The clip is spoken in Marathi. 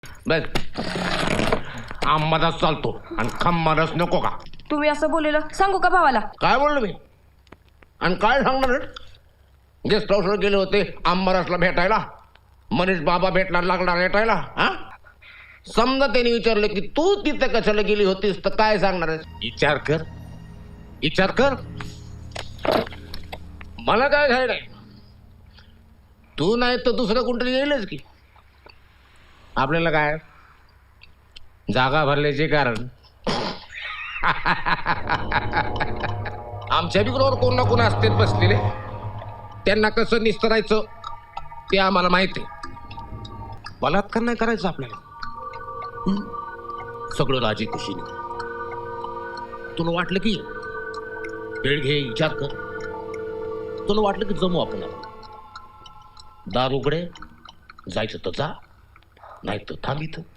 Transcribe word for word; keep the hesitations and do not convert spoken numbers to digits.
बस आम्हालाच चालतो आणि खम्मारच नको का? तुम्ही असं बोललेलं सांगू का भावाला? काय बोललो मी आणि काय सांगणार? गेस्ट हाऊसला गेले होते आंबारसला भेटायला, मनीष बाबा भेटला लागला भेटायला. हा समजा त्यांनी विचारलं की तू तिथे कशाला गेली होतीस तर काय सांगणार आहेस? विचार कर विचार कर. मला काय घाय नाही, तू नाही तर दुसरं कोणतरी येईलच की. आपल्याला काय जागा भरल्याचे कारण आमच्या बिग्रोवर कोण ना कोण असतेच बसलेले, त्यांना कसं निस्तरायचं ते आम्हाला माहिती आहे. बलात्कार नाही करायचं आपल्याला, सगळं राजी खुशीने. तुला वाटलं की वेळ घे, विचार कर. तुला वाटलं की जमू आपण, दार उघडे, जायचं तर जा, नाही तर थांब इथं.